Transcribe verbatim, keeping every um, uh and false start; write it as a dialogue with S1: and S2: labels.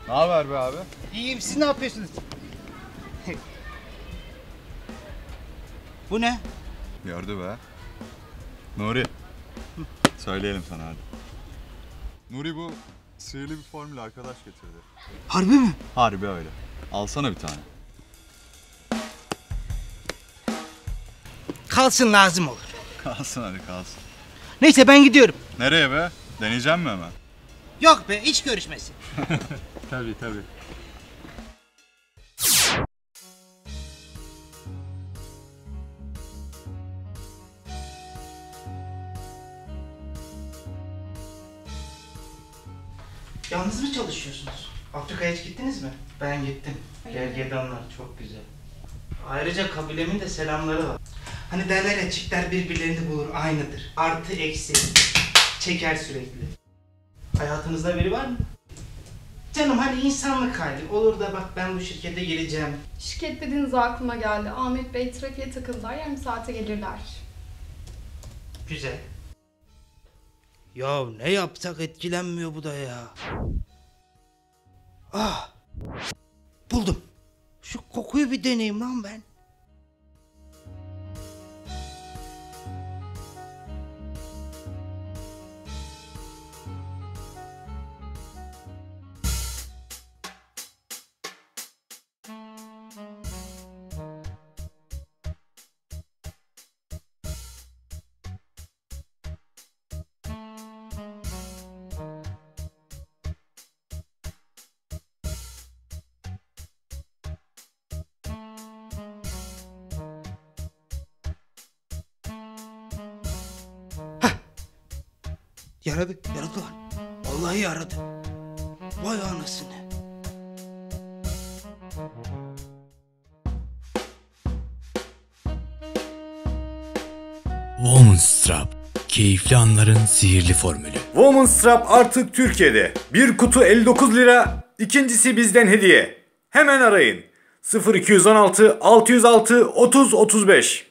S1: Ne haber be abi?
S2: İyiyim, siz ne yapıyorsunuz? Bu ne?
S1: Gördü be. Nuri. Söyleyelim sana hadi. Nuri bu sihirli bir formül arkadaş getirdi.
S2: Harbi mi?
S1: Harbi öyle. Alsana bir tane.
S2: Kalsın, lazım olur.
S1: Kalsın hadi kalsın.
S2: Neyse ben gidiyorum.
S1: Nereye be? Deneyeceğim mi hemen?
S2: Yok be, iş görüşmesi.
S1: Tabii tabii.
S2: Yalnız mı çalışıyorsunuz? Afrika'ya hiç gittiniz mi? Ben gittim. Gergedanlar çok güzel. Ayrıca kabilemin de selamları var. Hani derler ya, çiftler birbirlerini bulur, aynıdır. Artı eksi. Çeker sürekli. Hayatınızda biri var mı? Canım hani insanlık hali. Olur da bak ben bu şirkete geleceğim.
S3: Şirket dediğiniz aklıma geldi. Ahmet Bey trafiğe takıldılar. Yarım saate gelirler.
S2: Güzel. Ya ne yapsak etkilenmiyor bu da ya. Ah! Buldum. Şu kokuyu bir deneyeyim lan ben. Yaradı, yaradı lan. Vallahi yaradı. Vay anasını.
S4: Womanstrap, keyifli anların sihirli formülü.
S5: Womanstrap artık Türkiye'de. Bir kutu elli dokuz lira, ikincisi bizden hediye. Hemen arayın. sıfır iki yüz on altı altı yüz altı otuz otuz beş.